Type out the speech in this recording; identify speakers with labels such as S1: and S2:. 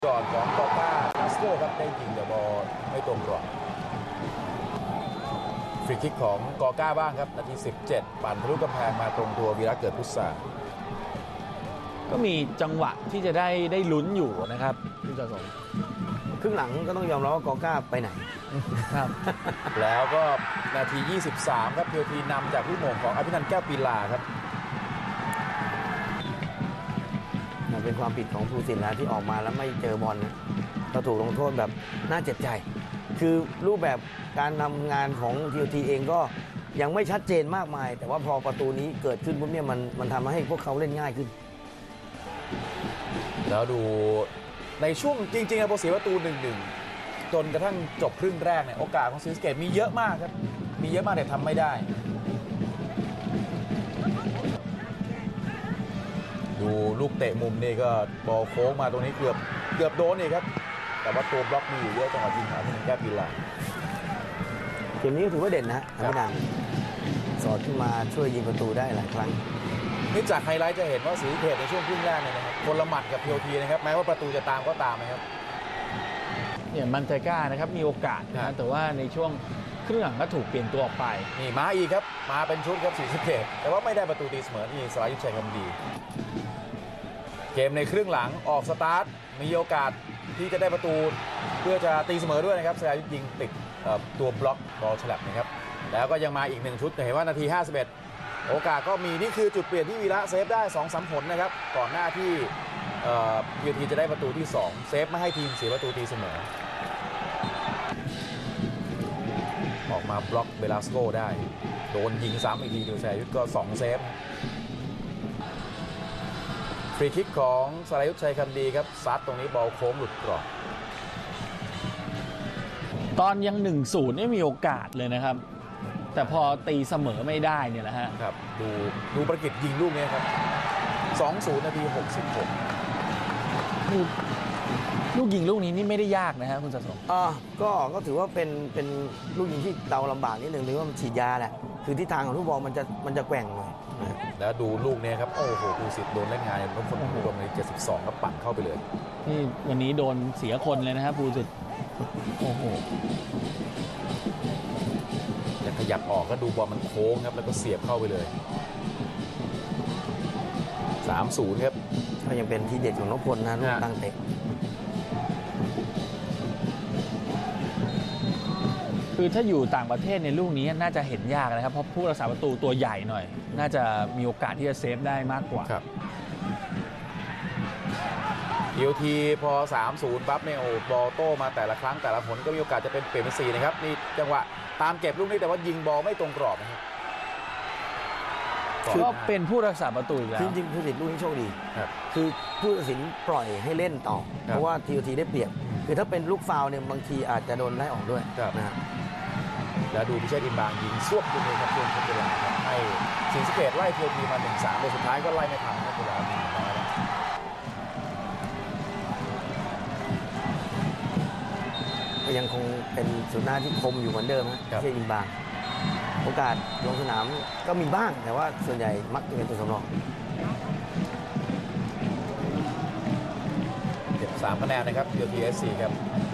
S1: ก่อนของกอก้าคาสโตรครับได้ยิงแต่บอลไม่ตรงกรอบฟรีคิกของกอก้าบ้างครับนาที17ปั่นทะลุกำแพงมาตรงตัววีระเกิดพุทธา
S2: ก็มีจังหวะที่จะได้ลุ้นอยู่นะครับคุณจสม
S3: ครึ่งหลังก็ต้องยอมรับว่ากอก้าไปไหน
S2: ครับ
S1: แล้วก็นาที23ครับเพียวทีนำจากลูกโมงของอภินันท์แก้วปีลาครับ
S3: เป็นความผิดของภูสินทร์แล้วที่ออกมาแล้วไม่เจอบอลนะก็ถูกลงโทษแบบน่าเจ็บใจคือรูปแบบการทำงานของทีทีเองก็ยังไม่ชัดเจนมากมายแต่ว่าพอประตูนี้เกิดขึ้นปุ๊บเนี่ยมันทำให้พวกเขาเล่นง่ายขึ้น
S1: แล้วดูในช่วงจริงๆพอเสียประตู 1-1 จนกระทั่งจบครึ่งแรกเนี่ยโอกาสของศรีสะเกษมีเยอะมากครับมีเยอะมากแต่ทำไม่ได้ดูลูกเตะมุมนี่ก็บอลโค้งมาตรงนี้เกือบโดนนี่ครับแต่ว่าตัวบล็อกมีอยู่เยอะจังหวะยิงหาที่แก้ปีลา
S3: เกมนี้ก็ถือว่าเด่นนะอภินันท์สอดขึ้นมาช่วยยิงประตูได้หลายครั้ง
S1: นี่จากไฮไลท์จะเห็นว่าศรีสะเกษในช่วงครึ่งแรกเนี่ยนะครับคนละหมัดกับเพียวทีนะครับแม้ว่าประตูจะตามก็ตามนะครับ
S2: เนี่ยมันเตก้านะครับมีโอกาสนะแต่ว่าในช่วงครึ่งหลังก็ถูกเปลี่ยนตัวออกไป
S1: นี่มาอีกครับมาเป็นชุดครับศรีสะเกษแต่ว่าไม่ได้ประตูตีเสมอนี่สรายุทธชัยคำดีเกมในครึ่งหลังออกสตาร์ทมีโอกาสที่จะได้ประตูเพื่อจะตีเสมอด้วยนะครับสรายุทธยิงติดตัวบล็อกบอลฉลับนะครับแล้วก็ยังมาอีก1ชุดเห็นว่านาที51โอกาสก็มีนี่คือจุดเปลี่ยนที่วีระเซฟได้ 2-3 ผลนะครับก่อนหน้าที่เพียทีจะได้ประตูที่2เซฟไม่ให้ทีมเสียประตูตีเสมอออกมาบล็อกเบลาสโกได้โดนยิงซ้ำอีกทีดูสรายุทธก็2เซฟฟรีคิกของสรายุทธชัยคำดีครับซัดตรงนี้บอลโค้งหลุดกรอบ
S2: ตอนยัง 1-0 ไม่มีโอกาสเลยนะครับแต่พอตีเสมอไม่ได้เนี่ยแหละฮะ
S1: ครับดูประกิตยิงลูกนี้ครับ 2-0 นาที 66
S2: ลูกยิงลูกนี้นี่ไม่ได้ยากนะฮะคุณสะสม
S3: ก็ถือว่าเป็นลูกยิงที่เราลำบากนิดนึงหรือว่ามันฉีดยาแหละคือทิศทางของลูกบอลมันจะแกว่งหน่อย
S1: แล้วดูลูกนี้ครับโอ้โหภูสิทธิ์โดนเล่นงานนพพลรวมใน72ก็ปั่นเข้าไปเลย
S2: นี่วันนี้โดนเสียคนเลยนะครับภูสิทธิ์โอ้โห
S1: ขยับออกก็ดูบอลมันโค้งครับแล้วก็เสียบเข้าไปเลย 3-0 ครับ
S3: ก็ยังเป็นที่เด็ดของนพพลนะลูกตั้งเตะ
S2: คือถ้าอยู่ต่างประเทศในลูกนี้น่าจะเห็นยากนะครับเพราะผู้รักษาประตูตัวใหญ่หน่อยน่าจะมีโอกาสที่จะเซฟได้มากกว่า
S1: ครับทีพอ 3-0 ปั๊บเนี่ยโอ้บอลโต้มาแต่ละครั้งแต่ละผลก็มีโอกาสจะเป็นเปลี่ยนเป็น4นะครับนี่จังหวะตามเก็บลูกนี้แต่ว่ายิงบอลไม่ตรงกรอบนะครับ
S2: ก็เป็นผู้รักษาประตูอีกแล้ว
S3: จริงๆผู้ตัดสินลูกนี้โชคดีคือผู้ตัดสินปล่อยให้เล่นต่อเพราะว่าทีได้เปรียบคือถ้าเป็นลูกฟาวล์เนี่ยบางทีอาจจะโดนไล่ออกด้วยนะ
S1: แล้วดูพิเชษฐ์อินบางยิงซวบขึ้นเลยครับช่วงทดเวลาครับให้ศรีสะเกษไล่ทีมา 1-3แต่สุดท้ายก็ไล่ไม่ทันครับเวลามีน้อย
S3: ก็ยังคงเป็นสุดหน้าที่คมอยู่เหมือนเดิมนะพิเชษฐ์อินบางโอกาสลงสนามก็มีบ้างแต่ว่าส่วนใหญ่มักจะเป็นตัวสำรอง
S1: เก็บ3 คะแนนนะครับ PTSC ครับ